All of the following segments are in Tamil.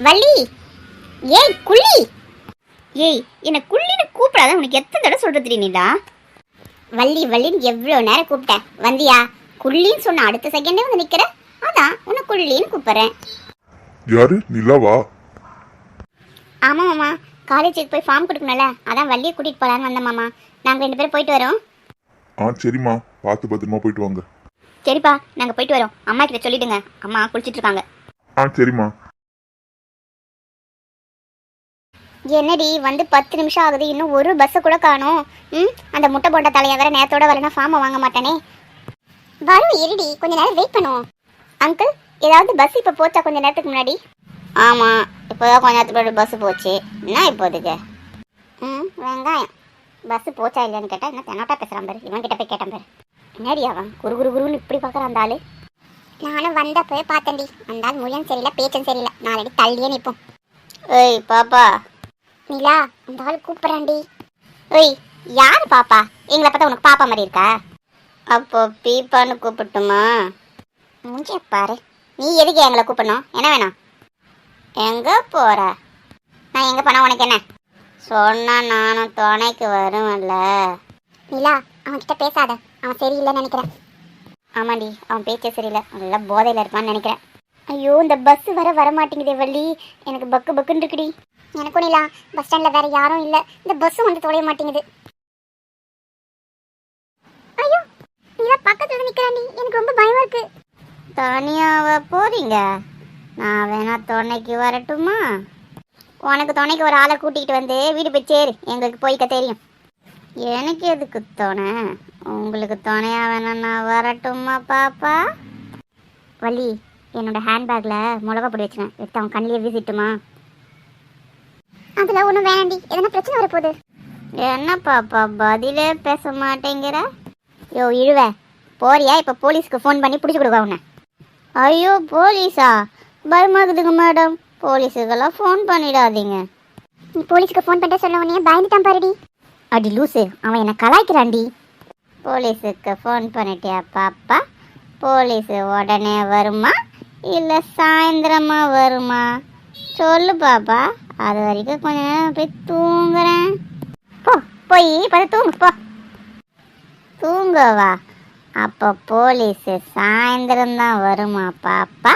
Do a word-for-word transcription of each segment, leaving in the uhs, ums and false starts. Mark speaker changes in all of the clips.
Speaker 1: வள்ளி, ஏய் குள்ளி, ஏய் என்ன குள்ளின்னு கூப்பிடாத. உனக்கு எத்தனை தடவை சொல்றது நீடா? வள்ளி வள்ளின்னு எவ்வளோ நேரம் கூப்பிட்டேன், வந்தியா? குள்ளின்னு சொன்ன அடுத்த செகண்டே வந்து நிக்கிற. அதான் உன்னை குள்ளின்னு கூப்பிடுறேன்.
Speaker 2: யாரு? நிலாவா?
Speaker 1: ஆமா மாமா, காலேஜுக்கு போய் ஃபார்ம் கொடுக்கணும்ல, அதான் வள்ளியை கூட்டிட்டு போலான்னு வந்தேன் மாமா. நாங்க ரெண்டு பேரும் போயிட்டு வரோம்.
Speaker 2: ஆ சரிம்மா, பார்த்து பத்திரமா போயிட்டு வாங்க.
Speaker 1: சரிப்பா, நாங்க போயிட்டு வரோம். அம்மா கிட்ட சொல்லிடுங்க, அம்மா குளிச்சிட்டு இருக்காங்க.
Speaker 2: ஆ சரிம்மா.
Speaker 1: என்னடி வந்து பத்து நிமிஷம் ஆகுது, இன்னும் ஒரு பஸ்ஸை கூட காணோம். ம் அந்த முட்டை போட்ட தலையை வேற நேரத்தோட வரனா ஃபார்மை வாங்க மாட்டானே. வரும் இருடி, கொஞ்ச நேரம் வெயிட் பண்ணுவோம். அங்கிள், ஏதாவது பஸ் இப்போ போச்சா கொஞ்ச நேரத்துக்கு முன்னாடி? ஆமாம், இப்போதான் கொஞ்ச நேரத்துக்கு முன்னாடி பஸ் போச்சு. என்ன இப்போதுக்கு? ம் வெங்காயம் பஸ் போச்சா இல்லைன்னு கேட்டால் என்ன தென்னாட்டா பேசுகிறான் பாரு. இவன் கிட்ட போய் கேட்டான் பாரு. என்னடி அவன் குரு குரு குருன்னு இப்படி பார்க்குறான் அந்த ஆள். நானும் வந்தப்போ பார்த்தேன்டி, அந்த ஆள் மொழியும் சரியில்லை பேச்சும் சரியில்லை. நாலடி தள்ளியே நிற்போம். ஏய் பாப்பா. நிலா, அந்த ஆள் கூப்பிட்றான்டி. ஓய், யார் பாப்பா? எங்களை பார்த்தா உனக்கு பாப்பா மாதிரி இருக்கா? அப்போ பீப்பான்னு கூப்பிட்டுமா? மூஞ்சிய பாரு. நீ எதுக்கு எங்களை கூப்பிடணும்? என்ன வேணும்? எங்கே போகிற? நான் எங்கே போனால் உனக்கு என்ன? சொன்னால் நானும் துணைக்கு வருவேன்ல. நிலா, அவன்கிட்ட பேசாத, அவன் சரியில்லைன்னு நினைக்கிறேன். ஆமாண்டி, அவன் பேச்சே சரியில்லை, நல்லா போதையில் இருப்பான்னு நினைக்கிறேன். ஐயோ, இந்த பஸ் வர வரமாட்டேங்குதே வள்ளி, எனக்கு பக்கு பக்குன்னு இருக்குடி. எனக்கும் நிலா, பஸ் ஸ்டாண்டில் வேற யாரும் இல்லை, இந்த பஸ்ஸும் வந்து தொலைய மாட்டேங்குது. ஐயோ, நிலா பக்கத்தில் நிற்கிறாண்டி, எனக்கு ரொம்ப பயமா இருக்கு. தனியாவ போறீங்க? நான் வேணா துணைக்கு வரட்டுமா? உனக்கு துணைக்கு ஒரு ஆளை கூட்டிகிட்டு வந்து வீடு போய் சேரு, எங்களுக்கு போய்க்க தெரியும். எனக்கு எதுக்கு துணை? உங்களுக்கு துணையா வேணா நான் வரட்டுமா பாப்பா? வள்ளி, என்னோட ஹேண்ட்பேக்கில் மிளகா பொடி வச்சுனேன், எடுத்து அவன் கண்ணிலே வீசிட்டுமா? அதில் ஒன்றும் வேணாண்டி, எதனா பிரச்சனை வரப்போகுது. என்ன பாப்பா பதிலே பேச மாட்டேங்கிற? யோ இழுவ, போறியா? இப்போ போலீஸ்க்கு ஃபோன் பண்ணி பிடிச்சி கொடுக்க உன்னை. ஐயோ போலீஸா? பயமாகுதுங்க மேடம், போலீஸுக்கெல்லாம் ஃபோன் பண்ணிடாதீங்க. நீ போலீஸுக்கு ஃபோன் பண்ணிட்டு சொல்ல உடனே பயந்துட்டான் பாருடி. அடி லூசு, அவன் என்னை கலாய்க்கிறான்டி. போலீஸுக்கு ஃபோன் பண்ணிட்டியா பாப்பா? போலீஸு உடனே வருமா இல்லை சாயந்தரமா வருமா? சொல்லு பாப்பா, அது வரைக்கும் கொஞ்ச நேரம் போய் தூங்குறேன். போ, போய் பார்த்து தூங்கு போ. தூங்கவா? அப்போ போலீஸு சாயந்தரம் தான் வருமா பாப்பா?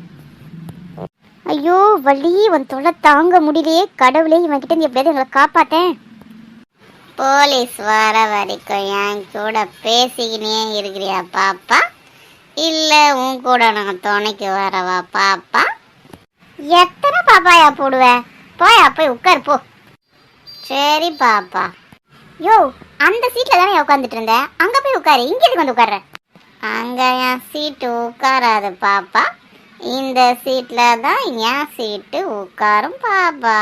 Speaker 1: ஐயோ வள்ளி, உன் தொலை தாங்க முடியலையே. கடவுளே, இவன் கிட்ட இருந்து எப்படியாவது எங்களை காப்பாத்தேன். போலீஸ் வர வரைக்கும் என் கூட பேசிக்கினே இருக்கிறியா பாப்பா? இல்லை உன் கூட நான் துணைக்கு வரவா பாப்பா? எத்தனை பாப்பாயா போடுவேன்? போயா போய் உட்காரு போ. சரி பாப்பா. யோ, அந்த சீட்டில் தானே உட்காந்துட்டு இருந்தேன், அங்கே போய் உட்காரு. இங்கே எதுக்கு வந்து உட்கார்ற? அங்கே என் சீட்டு உட்காராது பாப்பா, இந்த சீட்டில் தான் என் சீட்டு உட்காரும் பாப்பா.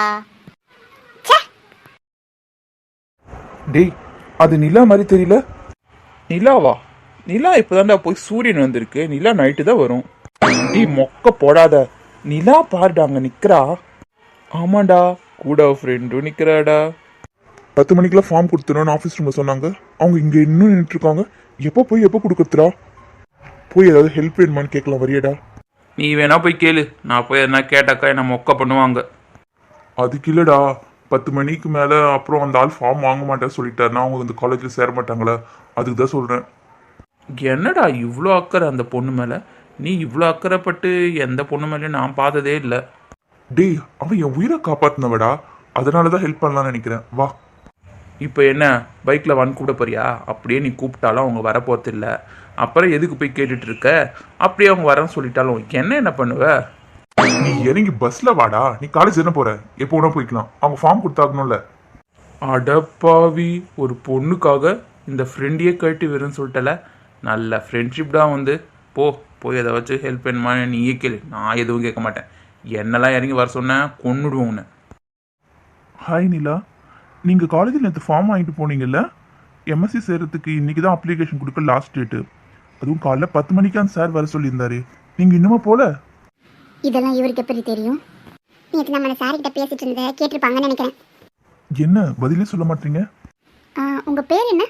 Speaker 3: டேய், அது நிலா மாதிரி தெரியல. நிலாவா? நிலா இப்போதான்டா போய் சூரியன் வந்திருக்கு, நிலா நைட்டு தான் வரும். டேய் மொக்க போடாத, நிலா பாருடா அங்கே நிற்கிறா. ஆமாண்டா, கூட ஃப்ரெண்டும் நிற்கிறாடா.
Speaker 2: பத்து மணிக்கெல்லாம் ஃபார்ம் கொடுத்துருன்னு ஆஃபீஸ் ரூமில் சொன்னாங்க. அவங்க இங்கே இன்னும் நின்றுட்டு இருக்காங்க. எப்போ போய் எப்போ கொடுக்குறா? போய் ஏதாவது ஹெல்ப் வேணுமான்னு கேட்கலாம், வரியடா?
Speaker 3: நீ வேணா போய் கேளு, நான் போய் எதனா கேட்டாக்கா என்ன மொக்க பண்ணுவாங்க.
Speaker 2: அதுக்கு இல்லைடா, பத்து மணிக்கு மேலே அப்புறம் அந்த ஆள் ஃபார்ம் வாங்க மாட்டேன்னு சொல்லிட்டாருன்னா அவங்க இந்த காலேஜில் சேர மாட்டாங்களே, அதுக்கு தான் சொல்கிறேன்.
Speaker 3: என்னடா இவ்வளோ அக்கறை அந்த பொண்ணு மேலே? நீ இவ்வளோ அக்கறைப்பட்டு எந்த பொண்ணு மேலேயும் நான் பார்த்ததே இல்லை.
Speaker 2: டேய், அவன் என் உயிரை காப்பாற்றினவடா, அதனால தான் ஹெல்ப் பண்ணலான்னு நினைக்கிறேன். வா.
Speaker 3: இப்போ என்ன பைக்கில் வந்து கூப்பிட போறியா? அப்படியே நீ கூப்பிட்டாலும் அவங்க வரப்போறது இல்லை. அப்புறம் எதுக்கு போய் கேட்டுட்டு இருக்க? அப்படியே அவங்க வரேன்னு சொல்லிட்டாலும் என்ன என்ன பண்ணுவ?
Speaker 2: நீ இறங்கி பஸ்ல வாடா. நீ காலேஜ் என்ன போற? எப்போ வேணா போய்க்கலாம். அவங்க ஃபார்ம் கொடுத்தாகணும்ல.
Speaker 3: அடப்பாவி, ஒரு பொண்ணுக்காக இந்த ஃப்ரெண்டையே கட்டி வரும்னு சொல்லிட்டல. நல்ல ஃப்ரெண்ட்ஷிப் தான் வந்து. போ, போய் எதை வச்சு ஹெல்ப் பண்ணுமா நீயே கேளு, நான் எதுவும் கேட்க மாட்டேன். என்னெல்லாம் இறங்கி வர சொன்னேன் கொன்னுடுவோம் உன்னை.
Speaker 2: ஹாய் நிலா, நீங்கள் காலேஜில் நேற்று ஃபார்ம் வாங்கிட்டு போனீங்கல்ல? எம்எஸ்சி சேர்கிறதுக்கு இன்றைக்கி தான் அப்ளிகேஷன் கொடுக்க லாஸ்ட் டேட்டு. அதுவும் காலைல பத்து மணிக்கு அந்த சார் வர சொல்லியிருந்தாரு. நீங்கள் இன்னுமா போல?
Speaker 1: இதெல்லாம் இவருக்கு எப்படி தெரியும்? நேற்று நம்ம சார்கிட்ட பேசிட்டு இருந்த கேட்டிருப்பாங்கன்னு நினைக்கிறேன்.
Speaker 2: என்ன பதிலே சொல்ல மாட்டீங்க?
Speaker 1: உங்கள் பேர் என்ன?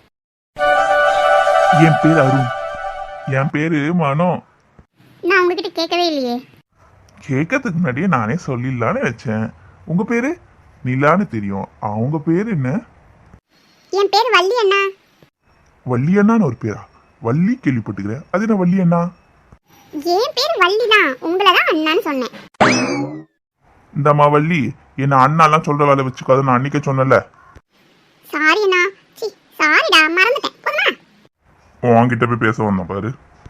Speaker 2: என் பேர் அருண். என் பேர் மனோ.
Speaker 1: நான் உங்ககிட்ட கேட்கவே இல்லையே.
Speaker 2: கேட்கறதுக்கு முன்னாடியே நானே சொல்லிடலான்னு நினைச்சேன். உங்க பேரு நிலான்னு தெரியும். அவங்க பேர் என்ன?
Speaker 1: என் பேர் வள்ளி அண்ணா.
Speaker 2: வள்ளி அண்ணான்னு ஒரு பேரா? வள்ளி கேள்விப்பட்டுக்கிறேன். அது என்ன வள்ளி அண்ணா?
Speaker 1: என் பேர் வள்ளி தான், உங்களை தான் அண்ணான்னு சொன்னேன்.
Speaker 2: இந்தம்மா வள்ளி, என்ன அண்ணாலாம் சொல்ற வேலை வச்சுக்காத, நான் அன்னைக்கே சொன்னல.
Speaker 1: சாரி அண்ணா. சி சாரிடா, மறந்துட்டேன். போதுமா?
Speaker 2: உன்கிட்ட போய் பேச வந்தேன் பாரு.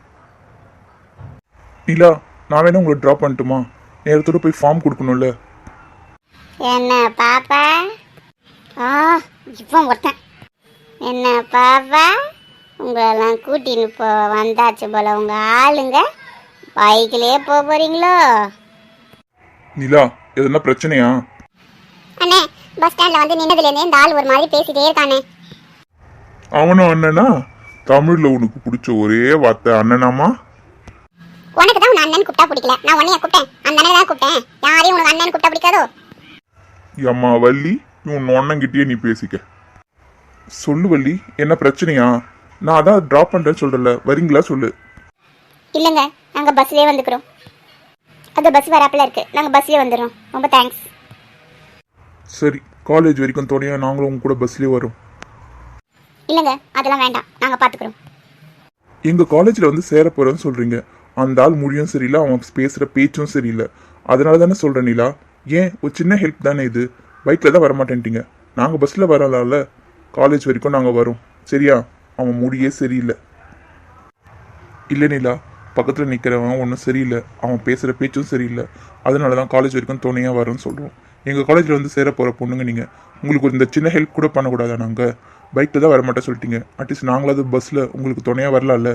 Speaker 3: நிலா, நான் வேணா உங்களை ட்ராப் பண்ணட்டுமா? நேரத்தோட போய் ஃபார்ம் கொடுக்கணும்ல.
Speaker 1: என்ன பாப்பா? ஆ இவன் ஒருத்தன். என்ன பாப்பா, உங்களெல்லாம் கூட்டின்னு போ வந்தாச்சு போல உங்க ஆளுங்க. பைக்கிலேயே போக போறீங்களோ?
Speaker 3: நிலா, எதுனா பிரச்சனையா?
Speaker 1: அண்ணே, பஸ் ஸ்டாண்ட்ல வந்து நின்னதுலேருந்தே இந்த ஆள் ஒரு மாதிரி பேசிட்டே இருக்கானே.
Speaker 2: அவனும் அண்ணனா? தமிழ்ல உனக்கு பிடிச்ச ஒரே வார்த்தை அண்ணனாமா?
Speaker 1: உனக்கு தான் உன் அண்ணன் கூப்பிட்டா பிடிக்கல, நான் உன்னைய கூப்பிட்டேன். அந்த அண்ணனை தான் கூப்பிட்டேன். யாரையும் உனக்கு அண்ணன் கூப்பிட்டா பிடிக்காதோ?
Speaker 2: அம்மா வள்ளி, உன் அண்ணங்கிட்டயே நீ பேசிக்க.
Speaker 3: சொல்லு வள்ளி, என்ன பிரச்சனையா? நான் அதான் ட்ராப் பண்ணுறேன்னு சொல்கிறல, வரீங்களா சொல்லு.
Speaker 1: இல்லைங்க, நாங்கள் பஸ்லேயே வந்துக்கிறோம். அது பஸ் வராப்பில் இருக்கு, நாங்கள் பஸ்லேயே வந்துடுறோம். ரொம்ப தேங்க்ஸ்.
Speaker 3: சரி, காலேஜ் வரைக்கும் துணையா நாங்களும் உங்க கூட பஸ்லேயே வரோம்.
Speaker 1: இல்லைங்க, அதெல்லாம் வேண்டாம், நாங்கள் பார்த்துக்குறோம்.
Speaker 3: எங்கள் காலேஜில் வந்து சேர போகிறேன்னு சொல்கிறீங்க. அந்த ஆள் மொழியும் சரியில்லை, அவன் பேசுகிற பேச்சும் சரியில்லை. அதனால தானே சொல்கிறேன் நிலா. ஏன், ஒரு சின்ன ஹெல்ப் தானே இது. பைக்கில் தான் வரமாட்டேன்ட்டீங்க, நாங்கள் பஸ்ஸில் வரலாம்ல. காலேஜ் வரைக்கும் நாங்கள் வரோம், சரியா? அவன் முடியே சரியில்லை. இல்லை நிலா, பக்கத்தில் நிற்கிறவன் ஒன்றும் சரியில்லை, அவன் பேசுகிற பேச்சும் சரியில்லை. அதனால தான் காலேஜ் வரைக்கும் துணையாக வரோன்னு சொல்கிறோம். எங்கள் காலேஜில் வந்து சேர போகிற பொண்ணுங்க நீங்கள், உங்களுக்கு இந்த சின்ன ஹெல்ப் கூட பண்ணக்கூடாதா? நாங்கள் பைக்கில் தான் வரமாட்டேன் சொல்லிட்டீங்க, அட்லீஸ்ட் நாங்களாவது பஸ்ஸில் உங்களுக்கு துணையாக வரலாம்ல.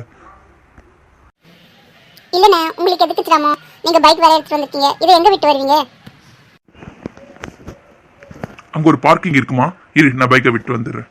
Speaker 1: இல்லைண்ணே, உங்களுக்கு எதுக்கு சிரமம்? நீங்கள் பைக் வேற எடுத்துட்டு வந்துருக்கீங்க, இதை எங்கே விட்டு வருவீங்க?
Speaker 2: அங்க ஒரு பார்க்கிங் இருக்குமா? இரு, நான் பைக்கை விட்டு வந்துடுறேன்.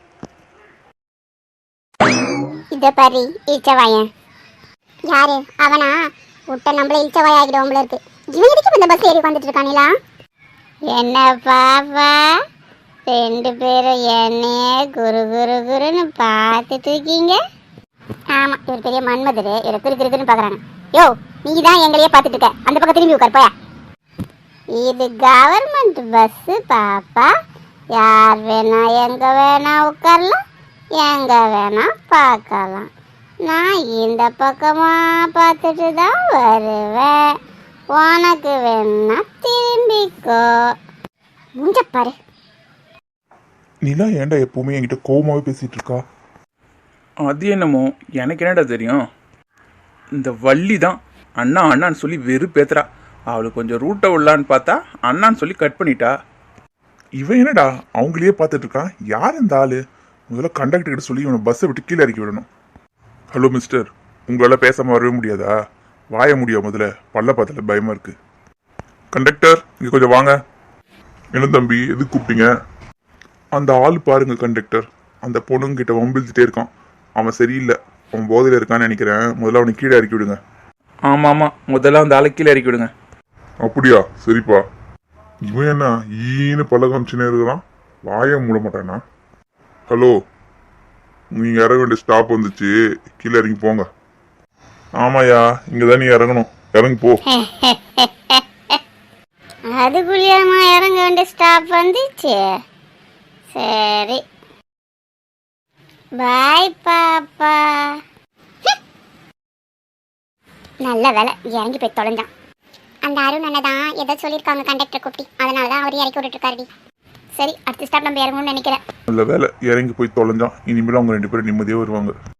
Speaker 1: இதை பாரு, இழிச்சவாயன். யாரு அவனா? விட்ட நம்மள இழிச்சவாய் ஆகிடுவோம்ல இருக்கு. இவன் எதுக்கு இந்த பஸ் ஏறி வந்துட்டு இருக்கானிலா? என்ன பாப்பா, ரெண்டு பேரும் என்னையே குரு குரு குருன்னு பார்த்துட்டு இருக்கீங்க. ஆமா, இவர் பெரிய மன்மதரு, இவர் குரு குரு குருன்னு பாக்குறாங்க. யோ, நீ தான் எங்களையே பார்த்துட்டு இருக்க, அந்த பக்கம் திரும்பி உட்கார் போயா. இது கவர்மெண்ட் பஸ் பாப்பா, யார் வேணா எங்க வேணா உட்காரலாம், எங்க வேணா பார்க்கலாம். நான் இந்த பக்கமா பார்த்துட்டு தான் வருவேன். உனக்கு வேணா திரும்பிக்கோ. முஞ்ச பாரு.
Speaker 3: நிலா ஏன்டா எப்பவுமே என்கிட்ட கோவமாகவே பேசிகிட்டு இருக்கா?
Speaker 4: அது என்னமோ எனக்கு என்னடா தெரியும். இந்த வள்ளி தான் அண்ணா அண்ணான்னு சொல்லி வெறுப்பேத்துறா. அவளுக்கு கொஞ்சம் ரூட்டை விடலான்னு பார்த்தா அண்ணான்னு சொல்லி கட் பண்ணிட்டா.
Speaker 2: இவன் என்னடா அவங்களையே பார்த்துட்டு இருக்கான்? யார் இந்த ஆளு? முதல்ல கண்டக்டர் கிட்ட சொல்லி இவனை பஸ்ஸை விட்டு கீழே இறக்கி விடணும். ஹலோ மிஸ்டர், உங்களால் பேசாமல் வரவே முடியாதா? வாய முடியாது, முதல்ல பல்ல பார்த்தல பயமா இருக்கு. கண்டக்டர், இங்கே கொஞ்சம் வாங்க. என்ன தம்பி, எதுக்கு கூப்பிட்டீங்க? அந்த ஆள் பாருங்க கண்டக்டர், அந்த பொண்ணுங்கிட்ட வம்பிழுத்துட்டே இருக்கான். அவன் சரியில்லை, அவன் போதையில் இருக்கான்னு நினைக்கிறேன். முதல்ல அவனை கீழே இறக்கி விடுங்க.
Speaker 4: ஆமாம் ஆமாம், முதல்ல அந்த ஆளை கீழே இறக்கி விடுங்க.
Speaker 2: அப்படியா? சரிப்பா. இவன் என்ன ஈன்னு பல்ல காமிச்சுனே இருக்கிறான், வாய மூட மாட்டானா? ஹலோ, நீங்கள் இறங்க வேண்டிய ஸ்டாப் வந்துச்சு, கீழே இறங்கி போங்க. ஆமாயா, இங்கே தான் நீ இறங்கணும், இறங்கி போ.
Speaker 1: அதுக்குள்ளேயுமா இறங்க வேண்டிய ஸ்டாப் வந்துச்சு? சரி, பாய் பாப்பா. நல்ல வேலை இறங்கி போய் தொலைஞ்சான். அந்த அருண் அண்ணன் தான் ஏதோ சொல்லியிருக்காங்க கண்டக்டர் கூப்பிட்டு, அதனால தான் அவர் இறக்கி விட்டுட்டு இருக்காருடி. சரி, அடுத்த ஸ்டாப் நம்ம இறங்கணும்னு நினைக்கிறேன்.
Speaker 2: நல்ல வேலை இறங்கி போய் தொலைஞ்சான். இனிமேல் அவங்க ரெண்டு பேரும் நிம்மதியாக வருவாங்க.